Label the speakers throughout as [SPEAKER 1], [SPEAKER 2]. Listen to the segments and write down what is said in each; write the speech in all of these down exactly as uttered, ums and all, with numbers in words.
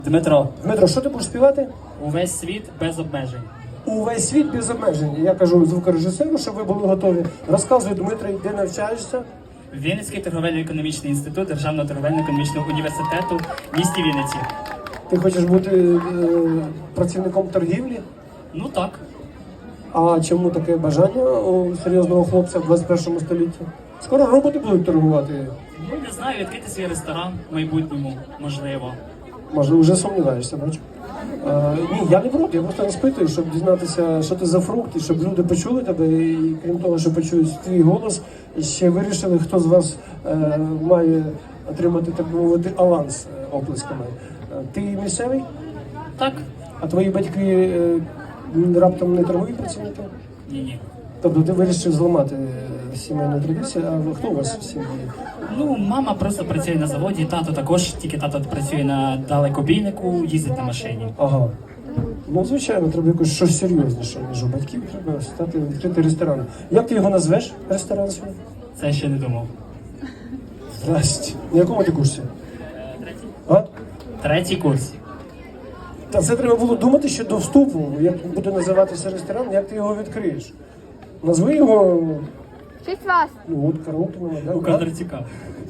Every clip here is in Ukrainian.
[SPEAKER 1] Дмитро,
[SPEAKER 2] Дмитро, що ти будеш співати?
[SPEAKER 1] увесь світ без обмежень.
[SPEAKER 2] Увесь світ без обмежень. Я кажу звукорежисеру, щоб ви були готові. Розказуй, Дмитро, де навчаєшся?
[SPEAKER 1] Вінницький торговельно-економічний інститут Державного торговельно-економічного університету в місті Вінниці.
[SPEAKER 2] Ти хочеш бути е, працівником торгівлі?
[SPEAKER 1] Ну так.
[SPEAKER 2] А чому таке бажання у серйозного хлопця в двадцять першому столітті? Скоро роботи будуть торгувати.
[SPEAKER 1] Ну, не знаю, відкрити свій ресторан в майбутньому, можливо.
[SPEAKER 2] Може, вже сумніваєшся, бачу. Е, ні, я не проти, я просто розпитую, щоб дізнатися, що ти за фрукт, і щоб люди почули тебе, і крім того, що почують твій голос, ще вирішили, хто з вас е, має отримати, так би мовити, аванс е, оплесками. Е, ти місцевий?
[SPEAKER 1] Так?
[SPEAKER 2] А твої батьки е, раптом не торгові працівники?
[SPEAKER 1] Ні-ні.
[SPEAKER 2] Тобто ти вирішив зламати е, сімейну традицію, а хто у вас в сім'ї?
[SPEAKER 1] Ну, мама просто працює на заводі, тато також, тільки тато працює на далекобійнику, їздить на машині.
[SPEAKER 2] Ага. Ну, звичайно, треба якось щось серйозніше, ніж у батьків. Треба стати відкрити ресторан. Як ти його назвеш, ресторан свій?
[SPEAKER 1] Це ще не думав.
[SPEAKER 2] Здрасте. На якому ти курсі?
[SPEAKER 1] Третій.
[SPEAKER 2] А?
[SPEAKER 1] Третій курс.
[SPEAKER 2] Та це треба було думати ще до вступу, як буде називатися ресторан, як ти його відкриєш. Назви його,
[SPEAKER 3] Шість вас.
[SPEAKER 2] ну от Караутинова, да?
[SPEAKER 1] У Кондратюка.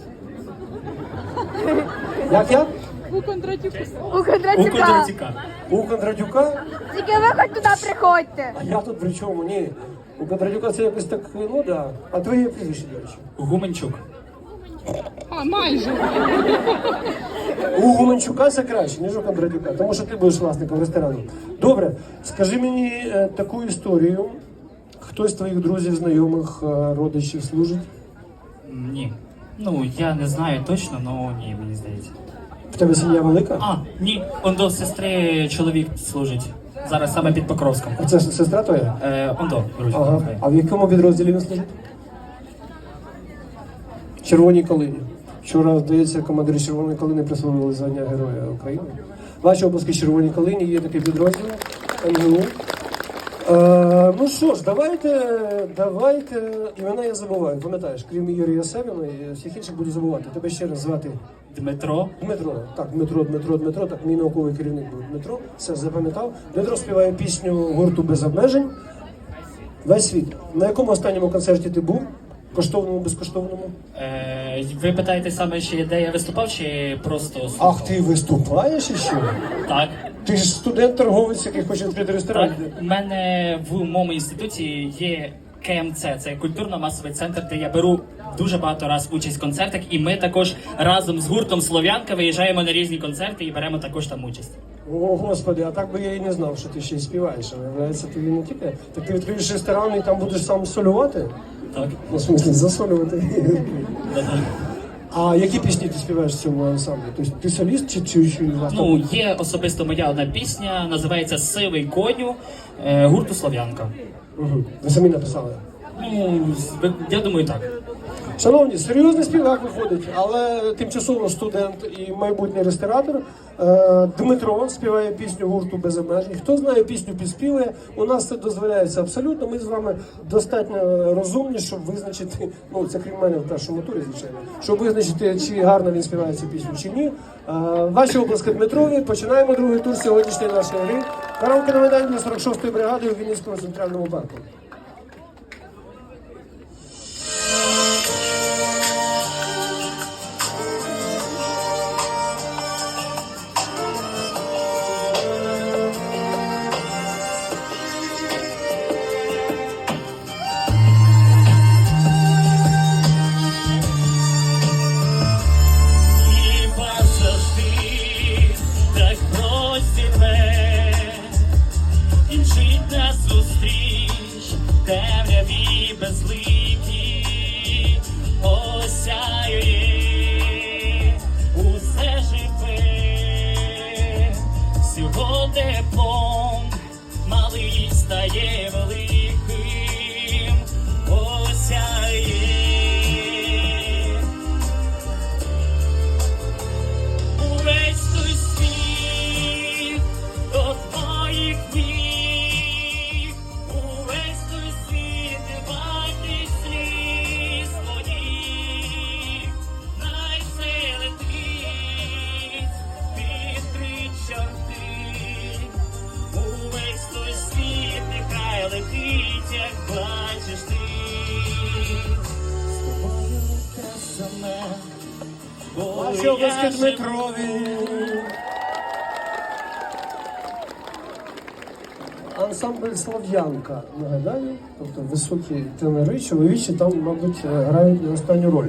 [SPEAKER 2] Як як?
[SPEAKER 3] У Кондратюка. У
[SPEAKER 1] У
[SPEAKER 3] Кондратюка.
[SPEAKER 1] Кондратюка.
[SPEAKER 2] У Кондратюка?
[SPEAKER 3] Тільки ви хоч туди приходьте.
[SPEAKER 2] А я тут при чому? Ні. У Кондратюка це якось так, ну да. А твоє прізвище, до речі?
[SPEAKER 1] Гуменчук.
[SPEAKER 4] А, майже.
[SPEAKER 2] У Гуменчука це краще, ніж у Кондратюка, тому що ти будеш власником ресторану. Добре, скажи мені е, таку історію. Хтось з твоїх друзів, знайомих, е, родичів служить?
[SPEAKER 1] М, Ні. Ну, я не знаю точно, але ні, мені здається.
[SPEAKER 2] В тебе сім'я велика?
[SPEAKER 1] А, ні, ондо сестри чоловік служить. Зараз саме під Покровськом.
[SPEAKER 2] А це с- сестра твоя?
[SPEAKER 1] Е, ондо, друзі.
[SPEAKER 2] Ага. А в якому підрозділі він служить? Червоній калині. Вчора, здається, командирі Червоної калини присвоїли звання Героя України. Ваші обласки Червоній калині є такий підрозділ ен ге у. Е, ну що ж, давайте, давайте, імена я забуваю, пам'ятаєш, крім Юрія Севіна, і всіх інших буду забувати. Тебе ще раз звати
[SPEAKER 1] Дмитро.
[SPEAKER 2] Дмитро. Так, Дмитро, Дмитро, Дмитро, так, мій науковий керівник був Дмитро, все запам'ятав. Дмитро співає пісню гурту «Без обмежень». Весь світ. На якому останньому концерті ти був? Коштовному, безкоштовному?
[SPEAKER 1] Е, ви питаєте саме, ще де я виступав, чи просто слухав?
[SPEAKER 2] Ах, ти виступаєш іще?
[SPEAKER 1] Так.
[SPEAKER 2] Ти ж студент-торговець, який хоче відкрити ресторан.
[SPEAKER 1] Так, у мене в моєму інституті є ке ем це, це культурно-масовий центр, де я беру дуже багато раз участь в концертах, і ми також разом з гуртом Слов'янка виїжджаємо на різні концерти і беремо також там участь.
[SPEAKER 2] О, Господи, а так би я і не знав, що ти ще й співаєш. А виявляється, ти не тільки. Так ти відкриєш ресторан і там будеш сам солювати?
[SPEAKER 1] Так.
[SPEAKER 2] Ну, в смысле, засолювати.
[SPEAKER 1] Да-да.
[SPEAKER 2] А які пісні ти співаєш в цьому ансамблі? Тобто ти соліст чи чи, чи вас
[SPEAKER 1] Ну,
[SPEAKER 2] там?
[SPEAKER 1] є особисто моя одна пісня, називається «Сивий коню» е, гурту Слов'янка.
[SPEAKER 2] Угу. Ви самі написали.
[SPEAKER 1] Ну, з- я думаю, так.
[SPEAKER 2] Шановні, серйозний співак виходить, але тимчасово студент і майбутній ресторатор е, Дмитро співає пісню гурту «Без обмежень». Хто знає пісню, підспівує. У нас це дозволяється абсолютно. Ми з вами достатньо розумні, щоб визначити, ну це крім мене в першому турі, звичайно, щоб визначити, чи гарно він співає цю пісню, чи ні. Е, ваші обласки Дмитрові. Починаємо другий тур сьогоднішньої нашої гри. Караоке на Майдані для сорок шостої бригади у Вінницькому центральному парку.
[SPEAKER 1] Хіба завжди так простіве, і мчить нас зустріч, темряві безликі, осяює усе живе, всього теплом малий стає великим, осяє. Увесь той світ до твоїх ніг, увесь той світ не вартий сліз твоїх, най все летить, відкричать. будеш ти, з тобою те саме. Бо
[SPEAKER 2] Ваші
[SPEAKER 1] я
[SPEAKER 2] обласки
[SPEAKER 1] живу.
[SPEAKER 2] Дмитрові. Ансамбль Слов'янка, нагадаю, тобто високі тенори, чоловічі там, мабуть, грають не останню роль.